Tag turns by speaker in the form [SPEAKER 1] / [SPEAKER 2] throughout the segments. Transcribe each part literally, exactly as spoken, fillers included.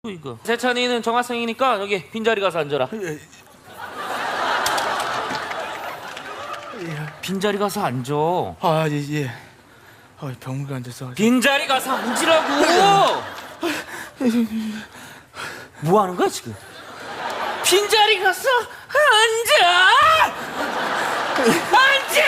[SPEAKER 1] 이거 세찬이는 정학생이니까 여기 빈자리 가서 앉아라.
[SPEAKER 2] 예.
[SPEAKER 1] 빈자리 가서 앉아.
[SPEAKER 2] 아, 예, 예. 아, 병원에 앉아서.
[SPEAKER 1] 빈자리 가서 앉으라고. 뭐 하는 거야 지금? 빈자리 가서 앉아. 앉아.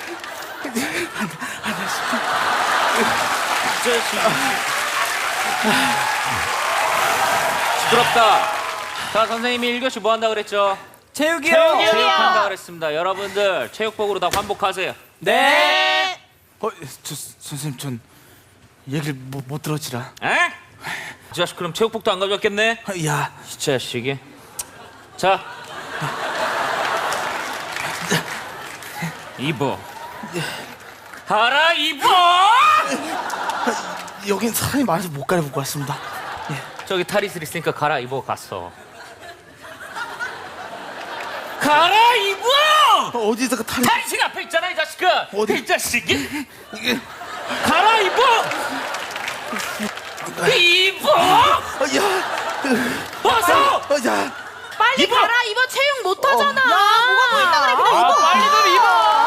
[SPEAKER 1] 시끄럽다. 자, 선생님이 일 교시 뭐 한다 그랬죠?
[SPEAKER 2] 체육이요.
[SPEAKER 1] 체육한다 그랬습니다. 여러분들 체육복으로 다 환복하세요.
[SPEAKER 2] 네. 어, 저 선생님 전 얘기를 못, 못 들었지라.
[SPEAKER 1] 에? 이 자식 그럼 체육복도 안 가져왔겠네?
[SPEAKER 2] 아, 야,
[SPEAKER 1] 이 자식이. 자, 입어. 알아 입어.
[SPEAKER 2] 여긴 사람이 많아서 못 갈아입고 왔습니다. 예.
[SPEAKER 1] 저기 탈의실 있으니까 갈아입어 갔어. 갈아입어.
[SPEAKER 2] 어, 어디다가 탈이?
[SPEAKER 1] 탈의실 앞에 있잖아 이 자식아.
[SPEAKER 2] 어디?
[SPEAKER 1] 이 자식이. 갈아입어. 입어.
[SPEAKER 2] 어, 야,
[SPEAKER 1] 어서.
[SPEAKER 2] 어, 야.
[SPEAKER 3] 빨리
[SPEAKER 1] 입어!
[SPEAKER 3] 가라 입어 체육 못 하잖아.
[SPEAKER 2] 야, 뭐가 보인다 그래. 그래,
[SPEAKER 1] 아,
[SPEAKER 2] 입어.
[SPEAKER 1] 빨리 좀 입어.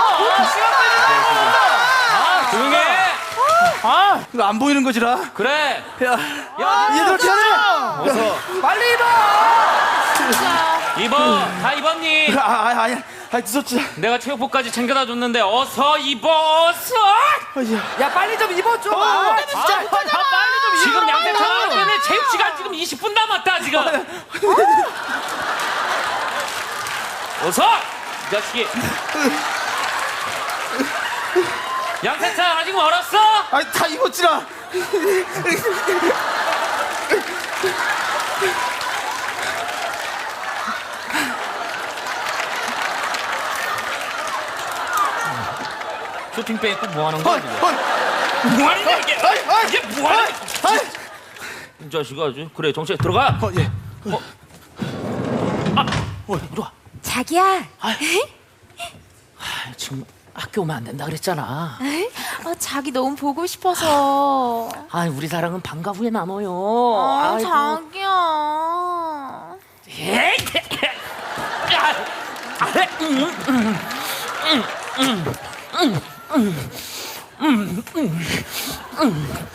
[SPEAKER 1] 아, 조용해.
[SPEAKER 2] 아, 이거 안 보이는 거지라.
[SPEAKER 1] 그래.
[SPEAKER 2] 야,
[SPEAKER 1] 야,
[SPEAKER 2] 얘들아, 미안해.
[SPEAKER 1] 어서.
[SPEAKER 2] 빨리 입어.
[SPEAKER 1] 입어. 다 입었니?
[SPEAKER 2] 아, 아, 아니야. 아, 늦었지.
[SPEAKER 1] 내가 체육복까지 챙겨다 줬는데 어서 입어. 어서.
[SPEAKER 2] 아, 야.
[SPEAKER 4] 야 빨리 좀 입어 좀.
[SPEAKER 2] 아,
[SPEAKER 4] 아,
[SPEAKER 2] 진짜.
[SPEAKER 4] 아, 빨리 좀 입어.
[SPEAKER 1] 지금 양세찬 때문에 체육 시간 지금 이십 분 남았다 지금. 어서. 이 자식이. 양세찬 아직 멀었어?
[SPEAKER 2] 아, 다 입었지라.
[SPEAKER 1] 쇼핑백 입고 뭐 하는 거야
[SPEAKER 2] 헐,
[SPEAKER 1] 지금?
[SPEAKER 2] 헐.
[SPEAKER 1] 뭐 하는 거야 이게?
[SPEAKER 2] 아이, 아이.
[SPEAKER 1] 이게 뭐 하는 거야?
[SPEAKER 2] 아이.
[SPEAKER 1] 이 자식아 아주. 그래 정체 들어가.
[SPEAKER 2] 어, 예.
[SPEAKER 1] 어, 이리 와.
[SPEAKER 3] 자기야.
[SPEAKER 1] 아, 지금 학교 오면 안 된다 그랬잖아.
[SPEAKER 3] 아, 자기 너무 보고 싶어서.
[SPEAKER 1] 아, 우리 사랑은 방과 후에 나눠요.
[SPEAKER 3] 아,
[SPEAKER 1] 아이고.
[SPEAKER 3] 자기야.
[SPEAKER 1] 에이, 야, 아, 음, 음, 음, 음, 음, 음, 음, 음, 음.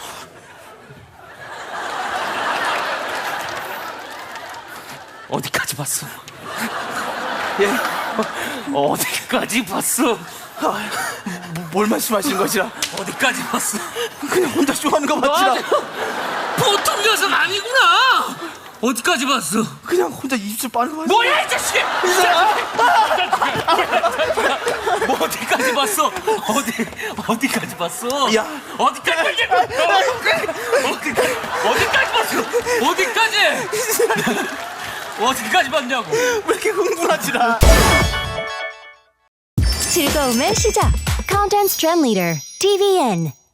[SPEAKER 1] 어디까지 봤어?
[SPEAKER 2] 예.
[SPEAKER 1] 어디까지 봤어?
[SPEAKER 2] 뭐, 뭘 말씀하시는 거지라?
[SPEAKER 1] 어디까지 봤어?
[SPEAKER 2] 그냥 혼자 쇼하는 거 맞지라?
[SPEAKER 1] 보통 녀석 아니구나. 어디까지 봤어?
[SPEAKER 2] 그냥 혼자 입술 빠는 거 맞지?
[SPEAKER 1] 뭐야 이 자식! 이 자식! 뭐 어디까지 봤어? 어디 어디까지 봤어?
[SPEAKER 2] 야.
[SPEAKER 1] 어디까지 봤어? 어디까지 어디까지 봤어? 어디까지? 어디까지 봤냐고?
[SPEAKER 2] 왜 이렇게 흥분하지라?
[SPEAKER 5] 즐거움의 시작. Content Trend Leader 티비엔